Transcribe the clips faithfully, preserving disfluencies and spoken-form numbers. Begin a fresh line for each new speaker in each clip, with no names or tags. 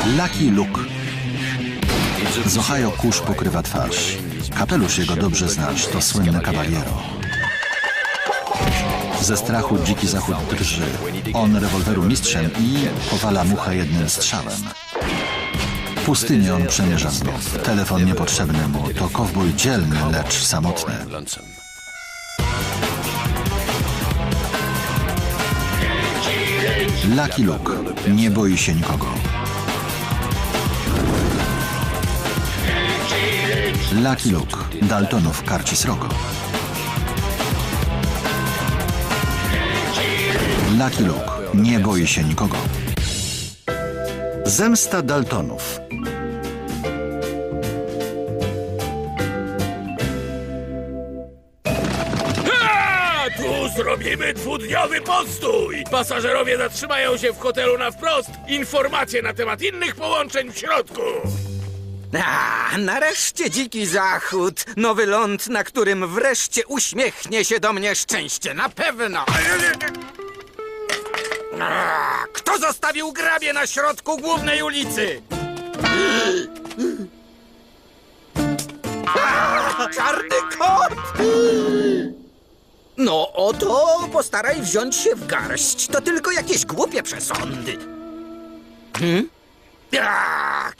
Lucky Luke. Z Ohio kurz pokrywa twarz. Kapelusz jego dobrze znasz, to słynny Caballero. Ze strachu dziki zachód drży. On rewolweru mistrzem i powala muchę jednym strzałem. Pustynię on przemierza znów. Telefon niepotrzebny mu, to kowboj dzielny, lecz samotny. Lucky Luke nie boi się nikogo. Lucky Luke, Daltonów karci srogo. Lucky Luke nie boi się nikogo. Zemsta Daltonów.
Tu zrobimy dwudniowy postój! Pasażerowie zatrzymają się w hotelu na wprost. Informacje na temat innych połączeń w środku.
A, nareszcie dziki zachód. Nowy ląd, na którym wreszcie uśmiechnie się do mnie szczęście. Na pewno. A, kto zostawił grabie na środku głównej ulicy? A, czarny kot! No oto, postaraj wziąć się w garść. To tylko jakieś głupie przesądy. Hmm? A!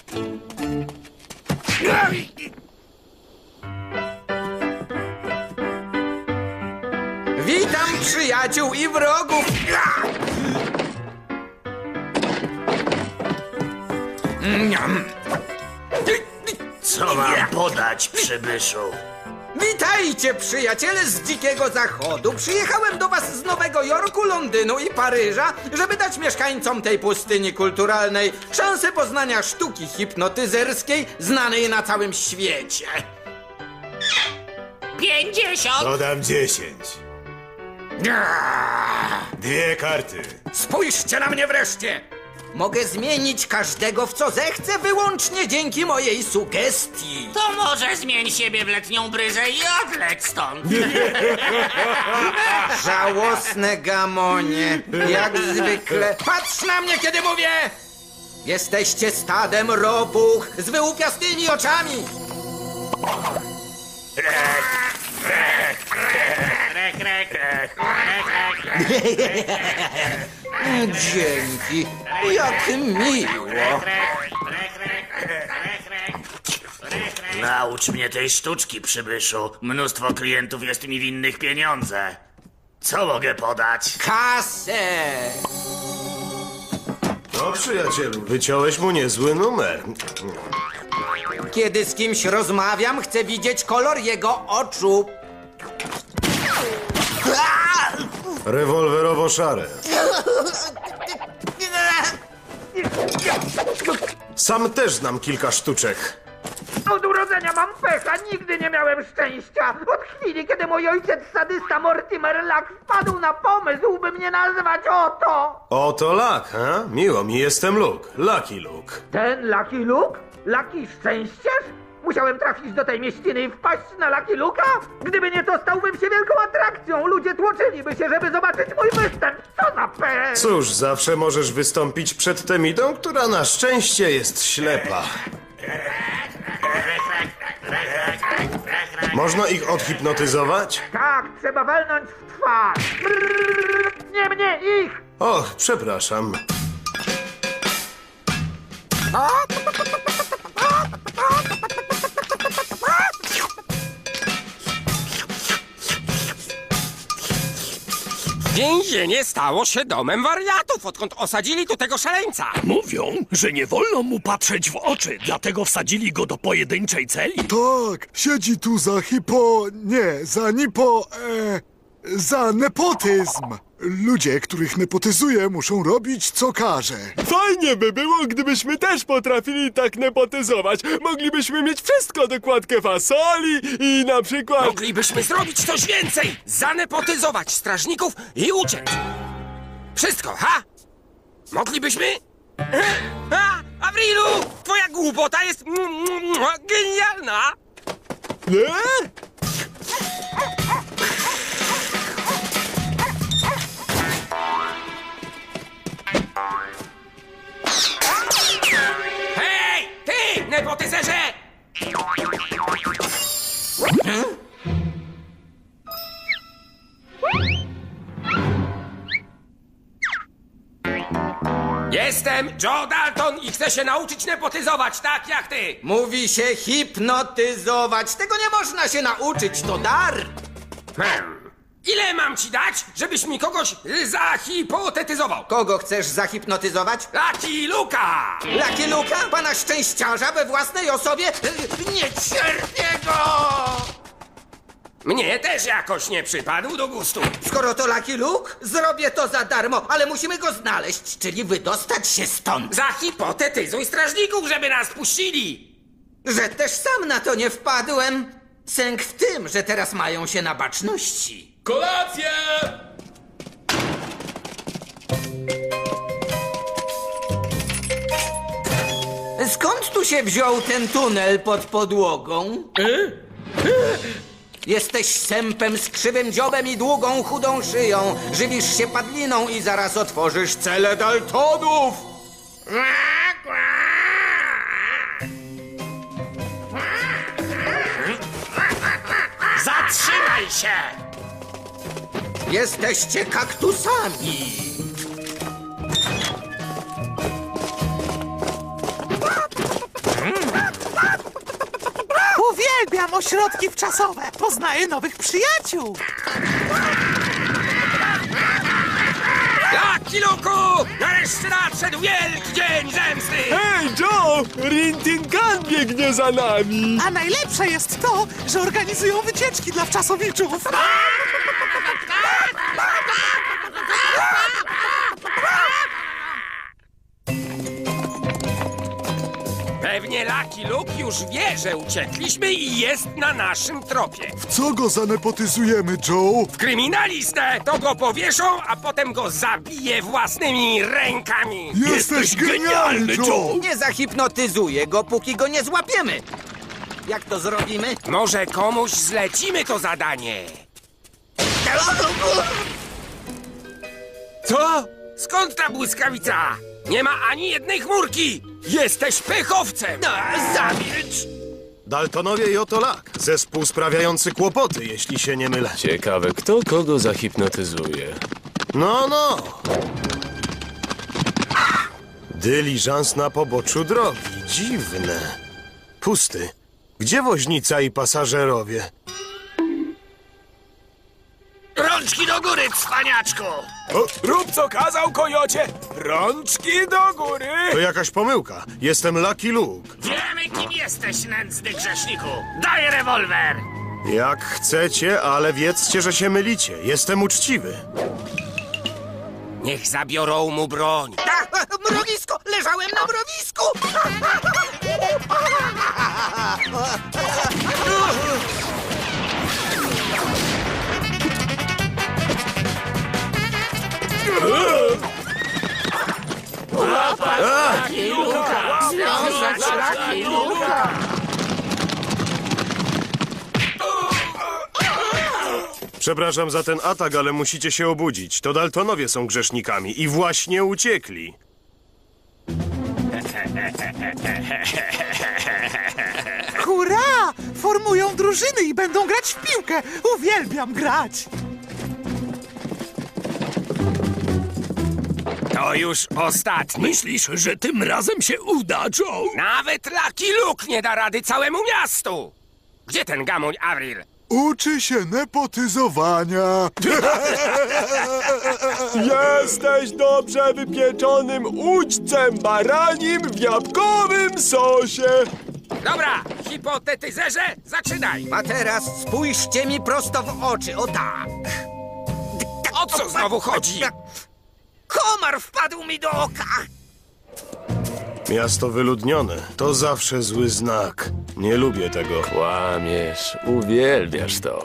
Witam przyjaciół i wrogów!
Co mam podać, przybyszu?
Witajcie, przyjaciele z Dzikiego Zachodu. Przyjechałem do was z Nowego Jorku, Londynu i Paryża, żeby dać mieszkańcom tej pustyni kulturalnej szansę poznania sztuki hipnotyzerskiej znanej na całym świecie.
Pięćdziesiąt!
Dodam dziesięć. Dwie karty.
Spójrzcie na mnie wreszcie! Mogę zmienić każdego w co zechcę wyłącznie dzięki mojej sugestii.
To może zmień siebie w letnią bryzę i odleć stąd.
Żałosne gamonie, jak zwykle. Patrz na mnie, kiedy mówię! Jesteście stadem ropuch z wyłupiastymi oczami. Dzięki, jak miło.
Naucz mnie tej sztuczki, przybyszu. Mnóstwo klientów jest mi winnych pieniądze. Co mogę podać?
Kasę!
No, przyjacielu, wyciąłeś mu niezły numer.
Kiedy z kimś rozmawiam, chcę widzieć kolor jego oczu.
Rewolwerowo-szare. Sam też znam kilka sztuczek.
Od urodzenia mam pecha, nigdy nie miałem szczęścia. Od chwili, kiedy mój ojciec sadysta Mortimer Luck wpadł na pomysł, by mnie nazwać Oto.
Oto Luck, ha? Miło mi, jestem Luke. Lucky Luke.
Ten Lucky Luke? Lucky Szczęściarz? Musiałem trafić do tej mieściny i wpaść na Lucky Luke'a? Gdyby nie to, stałbym się wielką atrakcją. Ludzie tłoczyliby się, żeby zobaczyć mój występ. Co za pech!
Cóż, zawsze możesz wystąpić przed Temidą, która na szczęście jest ślepa. Można ich odhipnotyzować?
Tak, trzeba walnąć w twarz. Brrr, nie mnie, ich!
Och, przepraszam.
Więzienie stało się domem wariatów, odkąd osadzili tu tego szaleńca.
Mówią, że nie wolno mu patrzeć w oczy, dlatego wsadzili go do pojedynczej celi.
Tak, siedzi tu za hipo... nie, za nipo... E, za nepotyzm. Ludzie, których nepotyzuje, muszą robić, co każe.
Fajnie by było, gdybyśmy też potrafili tak nepotyzować. Moglibyśmy mieć wszystko, dokładkę fasoli i na przykład...
Moglibyśmy zrobić coś więcej! Zanepotyzować strażników i uciec! Wszystko, ha? Moglibyśmy? Ha? Avrilu! Twoja głupota jest genialna!
Nie?
Jestem Joe Dalton i chcę się nauczyć nepotyzować, tak jak ty!
Mówi się hipnotyzować. Tego nie można się nauczyć, to dar.
Hmm. Ile mam ci dać, żebyś mi kogoś y, zahipotetyzował?
Kogo chcesz zahipnotyzować?
Lucky Luka!
Lucky Luka? Pana szczęściarza we własnej osobie? Nie cierpię go!
Mnie też jakoś nie przypadł do gustu.
Skoro to Lucky Luke, zrobię to za darmo, ale musimy go znaleźć, czyli wydostać się stąd.
Zahipotetyzuj strażników, żeby nas puścili!
Że też sam na to nie wpadłem. Sęk w tym, że teraz mają się na baczności.
Kolację!
Skąd tu się wziął ten tunel pod podłogą? Jesteś sępem z krzywym dziobem i długą, chudą szyją. Żywisz się padliną i zaraz otworzysz cele Daltonów.
Zatrzymaj się!
Jesteście kaktusami.
Uwielbiam ośrodki wczasowe. Poznaję nowych przyjaciół.
Lucky Luku! Nareszcie nadszedł wielki dzień zemsty!
Hej, Joe! Rintingan biegnie za nami!
A najlepsze jest to, że organizują wycieczki dla wczasowiczów.
Pewnie Lucky Luke już wie, że uciekliśmy i jest na naszym tropie.
W co go zanepotyzujemy, Joe?
W kryminalistę to go powieszą, a potem go zabije własnymi rękami.
Jesteś genialny, Joe!
Nie zahipnotyzuję go, póki go nie złapiemy. Jak to zrobimy?
Może komuś zlecimy to zadanie. Co? Skąd ta błyskawica? Nie ma ani jednej chmurki! Jesteś pechowcem!
No, zamilcz!
Daltonowie i oto Lak. Zespół sprawiający kłopoty, jeśli się nie mylę.
Ciekawe, kto kogo zahipnotyzuje.
No, no. Dyliżans na poboczu drogi. Dziwne. Pusty. Gdzie woźnica i pasażerowie?
Rączki do góry, cwaniaczku!
O, rób co kazał, kojocie! Rączki do góry!
To jakaś pomyłka. Jestem Lucky Luke.
Wiemy, kim jesteś, nędzny grzeszniku! Daj rewolwer!
Jak chcecie, ale wiedzcie, że się mylicie. Jestem uczciwy.
Niech zabiorą mu broń.
A, mrowisko! Leżałem na mrowisku!
Przepraszam za ten atak, ale musicie się obudzić. To Daltonowie są grzesznikami i właśnie uciekli.
Hurra! Formują drużyny i będą grać w piłkę. Uwielbiam grać.
To już ostatni.
Myślisz, że tym razem się uda, Joe?
Nawet Lucky Luke nie da rady całemu miastu! Gdzie ten gamoń Avril?
Uczy się nepotyzowania.
Jesteś dobrze wypieczonym ućcem baranim w jabłkowym sosie!
Dobra, hipotetyzerze, zaczynaj!
A teraz spójrzcie mi prosto w oczy, o tak.
O co znowu chodzi?
Komar wpadł mi do oka.
Miasto wyludnione. To zawsze zły znak. Nie lubię tego.
Kłamiesz, uwielbiasz to.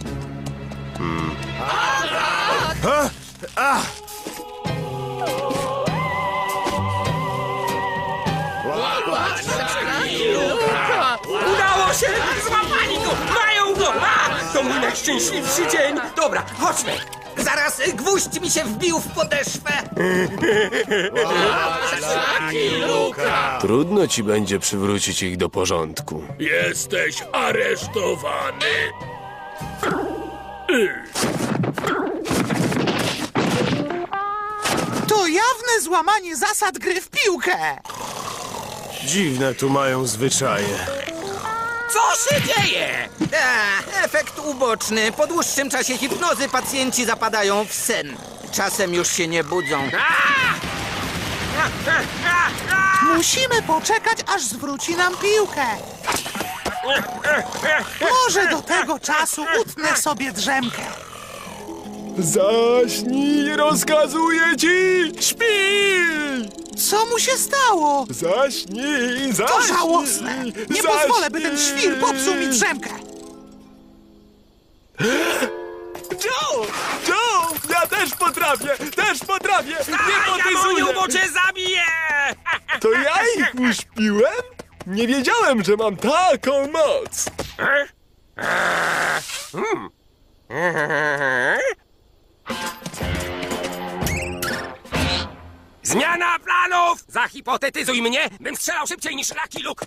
A! A!
Udało się! Złapali go! Mają go! A! To mój najszczęśliwszy dzień! Dobra, chodźmy!
Zaraz gwóźdź mi się wbił w podeszwę.
Trudno ci będzie przywrócić ich do porządku.
Jesteś aresztowany.
To To jawne złamanie zasad gry w piłkę.
Dziwne tu mają zwyczaje.
Co się dzieje?
A, efekt uboczny. Po dłuższym czasie hipnozy pacjenci zapadają w sen. Czasem już się nie budzą.
Musimy poczekać, aż zwróci nam piłkę. Może do tego czasu utnę sobie drzemkę.
Zaśnij, rozkazuję ci! Śpij!
Co mu się stało?
Zaśnij, zaśnij!
To żałosne. Nie
zaśnij.
pozwolę, by ten świr popsuł mi drzemkę.
Joe! Joe! Ja też potrafię! Też potrafię! Nie
Jamoniu, bo
potyzuję!
cię zabiję!
To ja ich uśpiłem? Nie wiedziałem, że mam taką moc!
Zmiana planów! Zahipotetyzuj mnie, bym strzelał szybciej niż Lucky Luke.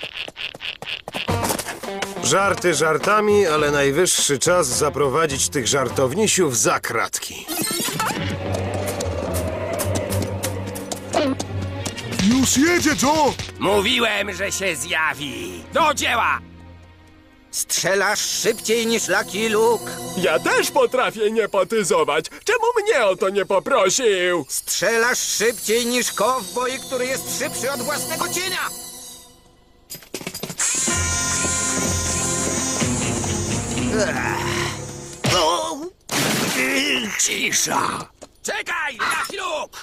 Żarty żartami, ale najwyższy czas zaprowadzić tych żartownisiów za kratki.
Już jedzie, Joe!
Mówiłem, że się zjawi. Do dzieła!
Strzelasz szybciej niż Lucky Luke.
Ja też potrafię niepotyzować! Czemu mnie o to nie poprosił?
Strzelasz szybciej niż kowboj, który jest szybszy od własnego cienia.
Cisza! Czekaj, Lucky Luke!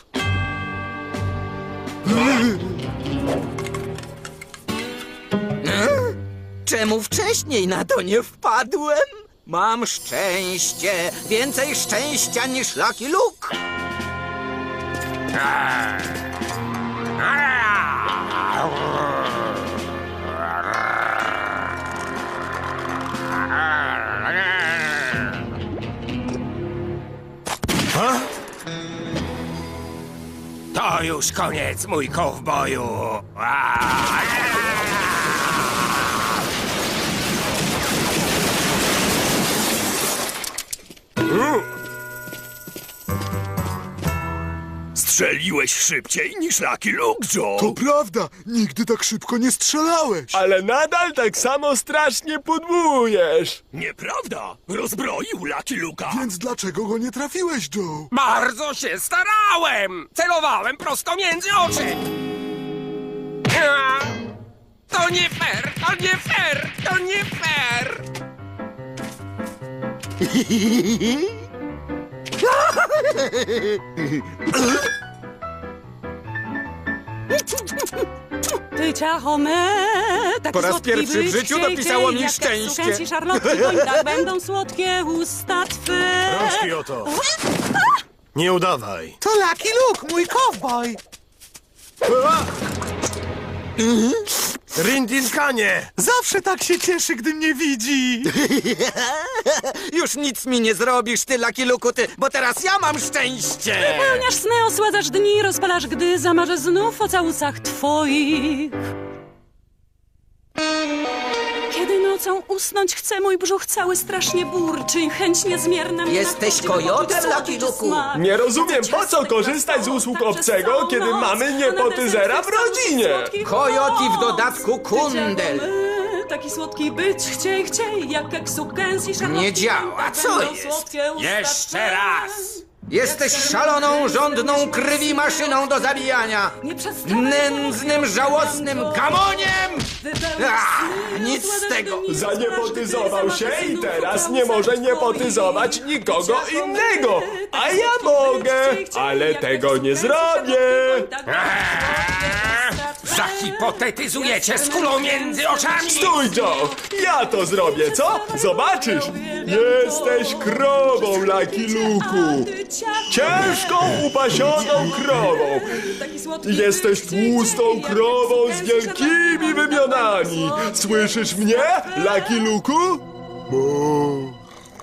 Czemu wcześniej na to nie wpadłem? Mam szczęście. Więcej szczęścia niż Lucky Luke.
To już koniec, mój kowboju!
Strzeliłeś szybciej niż Lucky Luke, Joe!
To prawda, nigdy tak szybko nie strzelałeś.
Ale nadal tak samo strasznie pudłujesz!
Nieprawda! Rozbroił Lucky Luke'a!
Więc dlaczego go nie trafiłeś, Joe?
Bardzo się starałem! Celowałem prosto między oczy! A, To nie fair! To nie fair! To nie fair!
Ty ciacho me, taki
Po raz
słodki
pierwszy w
być
życiu
cienkie,
dopisało mi
jak
szczęście.
Kęsi szarlotki, bo i tak będą słodkie usta twe.
Rączki oto! Nie udawaj!
To Lucky Luke, mój kowboj.
Rindinkanie!
Zawsze tak się cieszy, gdy mnie widzi.
Już nic mi nie zrobisz, ty Lucky Luke'u, ty, bo teraz ja mam szczęście.
Pełniasz sny, osładzasz dni, rozpalasz, gdy zamarzę znów o całusach twoich. Kiedy nocą usnąć chcę, mój brzuch cały strasznie burczy i chęć niezmierna mnie
Jesteś
nachodzi,
kojotem,
by poczuć
Lucky
słodycz
Luke'u?
smak.
Nie rozumiem, po co
Ciastek
korzystać z
na
usług
stole,
obcego,
przez całą
kiedy
noc,
mamy
a na
niepotyzera w
deser
rodzinie?
słodkich
Kojot i w
noc.
dodatku kundel.
Ty ciało me, taki słodki być chciej, chciej, jak keksu Kęsi szarlotki.
Nie działa,
tak
co
będą
jest?
słodkie usta
Jeszcze
twe.
raz!
Jesteś szaloną, żądną krwi maszyną do zabijania.
Nie przestałem
Nędznym, żałosnym gamoniem!
wypełnić
Ah,
sny,
nic z
osładzasz
tego.
dni,
Zaniepotyzował
rozpalasz,
się
gdy
i
zamarzę
teraz
znów
nie
o
może
całusach
niepotyzować
twoich.
nikogo
Ty ciało me,
innego. A
taki
ja
słodki
mogę,
być chciej,
ale
jak
tego
keksu
nie
Kęsi
zrobię.
szarlotki, tak będą słodkie usta twe.
Zahipotetyzujecie z kulą między oczami!
Stój, Joe! Ja to zrobię, co? Zobaczysz! Jesteś krową, Lucky Luke'u! Ciężką, upasioną krową! Jesteś tłustą krową z wielkimi wymionami! Słyszysz mnie, Lucky Luke'u? Bo...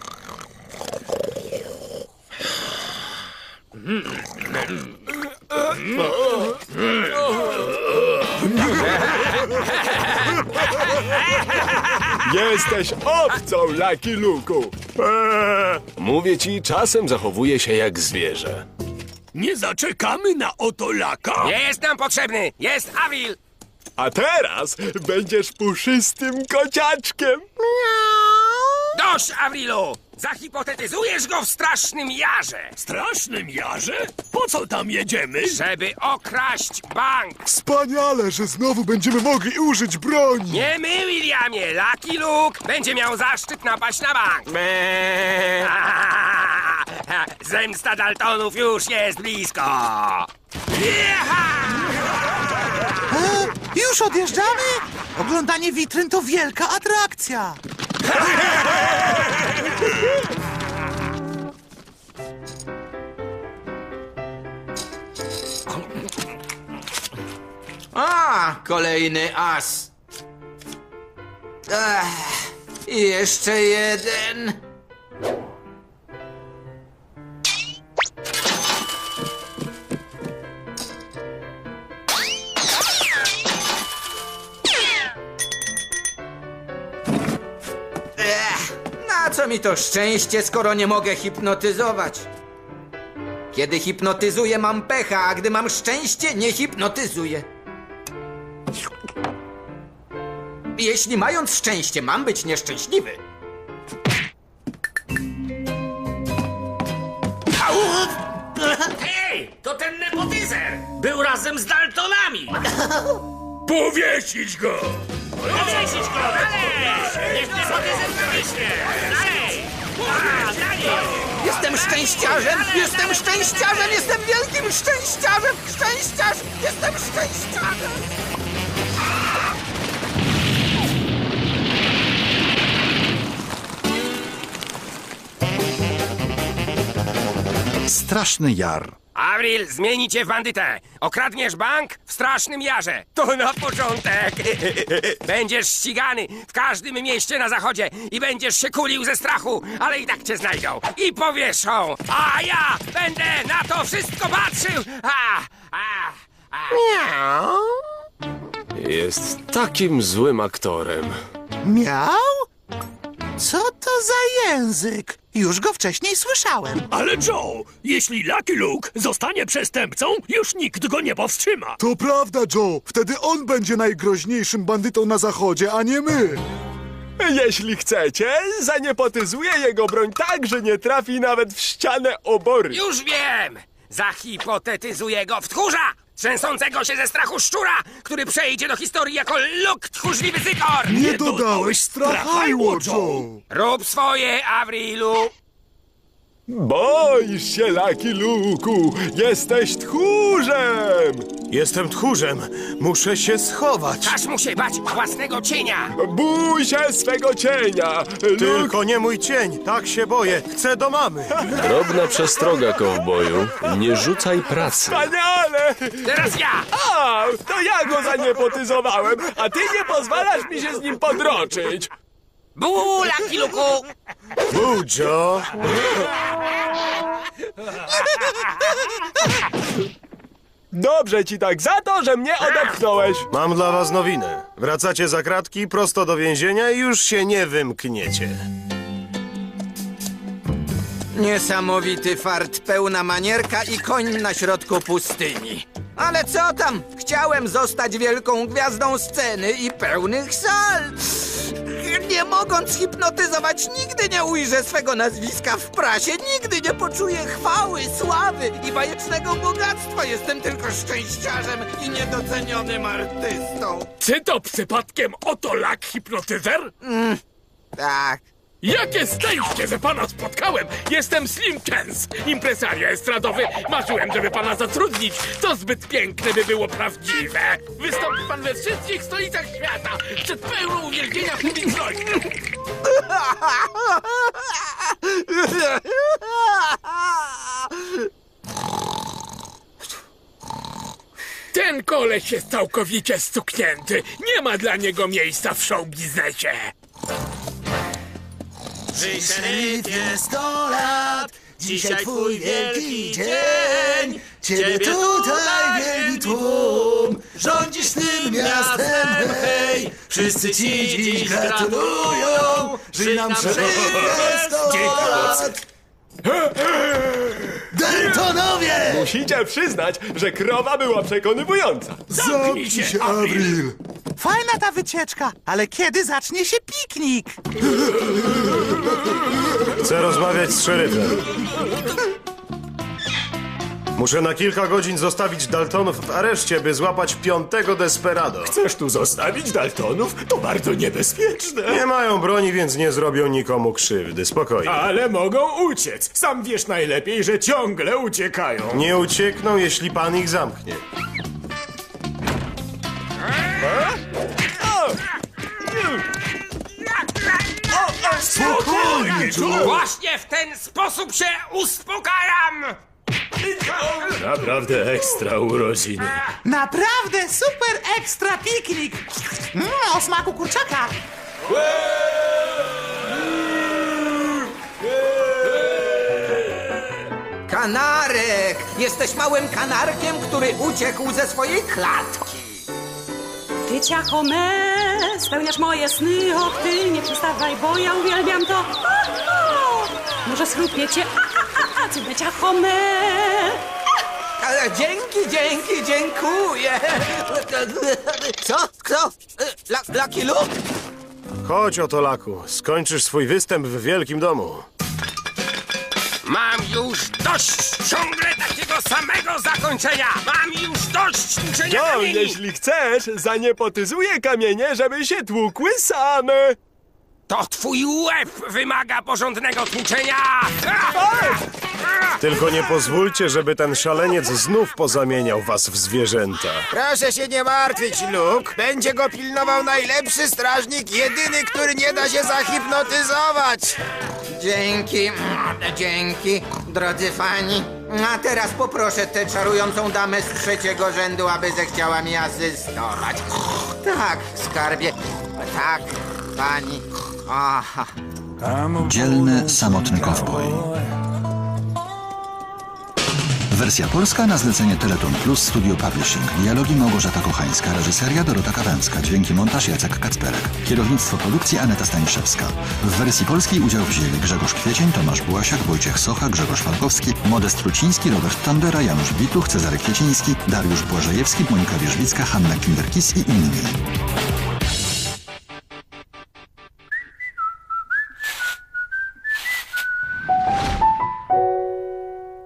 Jesteś owcą, Lucky Luke'u! Eee, mówię ci, czasem zachowuję się jak zwierzę.
Nie zaczekamy na Otolaka?
Nie jest nam potrzebny! Jest Avril!
A teraz będziesz puszystym kociaczkiem.
Dość, Avrilu! Zahipotetyzujesz go w strasznym jarze!
Strasznym jarze? Po co tam jedziemy?
Żeby okraść bank!
Wspaniale, że znowu będziemy mogli użyć broni.
Nie my, Williamie! Lucky Luke będzie miał zaszczyt napaść na bank! Zemsta Daltonów już jest blisko!
E, już odjeżdżamy? Oglądanie witryn to wielka atrakcja.
A, kolejny as. Ech, i jeszcze jeden. Ech, na co mi to szczęście, skoro nie mogę hipnotyzować? Kiedy hipnotyzuję, mam pecha, a gdy mam szczęście, nie hipnotyzuję. Jeśli mając szczęście, mam być nieszczęśliwy.
Hej, to ten nepotyzer! Był razem z Daltonami!
Powiesić go!
Powiesić go! Dalej! Niech nepotyzer pomyślnie! Dalej! A, dalej!
Jestem szczęściarzem! Jestem szczęściarzem! Jestem wielkim szczęściarzem! Szczęściarz! Jestem szczęściarzem!
Straszny jar.
Avril, zmieni cię w bandytę! Okradniesz bank w strasznym jarze! To na początek! Będziesz ścigany w każdym mieście na zachodzie i będziesz się kulił ze strachu, ale i tak cię znajdą i powieszą! A ja będę na to wszystko patrzył! A, a, a.
Jest takim złym aktorem.
Miał? Co to za język? Już go wcześniej słyszałem.
Ale Joe, jeśli Lucky Luke zostanie przestępcą, już nikt go nie powstrzyma.
To prawda, Joe. Wtedy on będzie najgroźniejszym bandytą na zachodzie, a nie my.
Jeśli chcecie, zaniepotyzuję jego broń tak, że nie trafi nawet w ścianę obory.
Już wiem! Zahipotetyzuję go w tchórza! Trzęsącego się ze strachu szczura, który przejdzie do historii jako Luke tchórzliwy zykor!
Nie dodałeś strachajło, Joe.
Rób swoje, Avrilu!
Boisz się, Lucky Luke'u! Jesteś tchórzem!
Jestem tchórzem. Muszę się schować.
Każ mu się bać własnego cienia!
Bój się swego cienia! Luke...
Tylko nie mój cień. Tak się boję. Chcę do mamy.
Drobna przestroga, kowboju. Nie rzucaj pracy.
Wspaniale!
Teraz ja!
A, to ja go zaniepotyzowałem, a ty nie pozwalasz mi się z nim podroczyć.
Bu, Lucky Luke'u!
Bu, Joe.
Dobrze ci tak, za to, że mnie odepchnąłeś.
Mam dla was nowinę. Wracacie za kratki, prosto do więzienia i już się nie wymkniecie.
Niesamowity fart, pełna manierka i koń na środku pustyni. Ale co tam? Chciałem zostać wielką gwiazdą sceny i pełnych sal. Nie mogąc hipnotyzować, nigdy nie ujrzę swego nazwiska w prasie, nigdy nie poczuję chwały, sławy i bajecznego bogactwa. Jestem tylko szczęściarzem i niedocenionym artystą.
Czy to przypadkiem Otolak hipnotyzer?
Mm, tak.
Jakie szczęście, że pana spotkałem! Jestem Slim Chance, impresario estradowy. Marzyłem, żeby pana zatrudnić. To zbyt piękne, by było prawdziwe. Wystąpi pan we wszystkich stolicach świata, przed pełną uwielbienia publiczności. Ten koleś jest całkowicie stuknięty. Nie ma dla niego miejsca w show biznesie.
Żyj szeryfie sto lat, dzisiaj twój wielki dzień. Ciebie tutaj wielki tłum, rządzisz tym miastem, hej. Wszyscy ci dziś gratulują, żyj nam szeryfie sto lat. Daltonowie!
Musicie przyznać, że krowa była przekonywująca.
Zamknij się, Avril!
Fajna ta wycieczka, ale kiedy zacznie się piknik?
Chcę rozmawiać z szeryfem. Muszę na kilka godzin zostawić Daltonów w areszcie, by złapać piątego desperado.
Chcesz tu zostawić Daltonów? To bardzo niebezpieczne.
Nie mają broni, więc nie zrobią nikomu krzywdy. Spokojnie.
Ale mogą uciec. Sam wiesz najlepiej, że ciągle uciekają.
Nie uciekną, jeśli pan ich zamknie.
Spokojnie, właśnie w ten sposób się uspokajam!
Naprawdę ekstra urodziny.
Naprawdę super ekstra piknik! Mm, o smaku kurczaka!
Kanarek! Jesteś małym kanarkiem, który uciekł ze swojej klatki.
Ty, ciacho me, spełniasz moje sny, och ty, nie przestawaj, bo ja uwielbiam to. O, o. Może schrupnie cię, a, a, a, a, cudne ciacho me.
Ale dzięki, dzięki, dziękuję. Co? Kto? La, Lucky Luke?
Chodź, oto Laku. Skończysz swój występ w wielkim domu.
Mam już dość ciągle takiego samego zakończenia! Mam już dość tłuczenia
No,
kamieni!
jeśli chcesz, zaniepotyzuję kamienie, żeby się tłukły same.
To twój łeb wymaga porządnego tłuczenia!
Tylko nie pozwólcie, żeby ten szaleniec znów pozamieniał was w zwierzęta.
Proszę się nie martwić, Luke. Będzie go pilnował najlepszy strażnik, jedyny, który nie da się zahipnotyzować.
Dzięki, dzięki, drodzy fani. A teraz poproszę tę czarującą damę z trzeciego rzędu, aby zechciała mi asystować. Tak, skarbie, tak, pani. Aha.
Dzielny, samotny kowboj. Wersja polska na zlecenie Teleton Plus Studio Publishing. Dialogi Małgorzata Kochańska, reżyseria Dorota Kawęcka, dźwięki montaż Jacek Kacperek, kierownictwo produkcji Aneta Staniszewska. W wersji polskiej udział wzięli Grzegorz Kwiecień, Tomasz Bułasiak, Wojciech Socha, Grzegorz Falkowski, Modest Truciński, Robert Tandera, Janusz Bituch, Cezary Kwieciński, Dariusz Błażejewski, Monika Wierzbicka, Hanna Kinderkis i inni.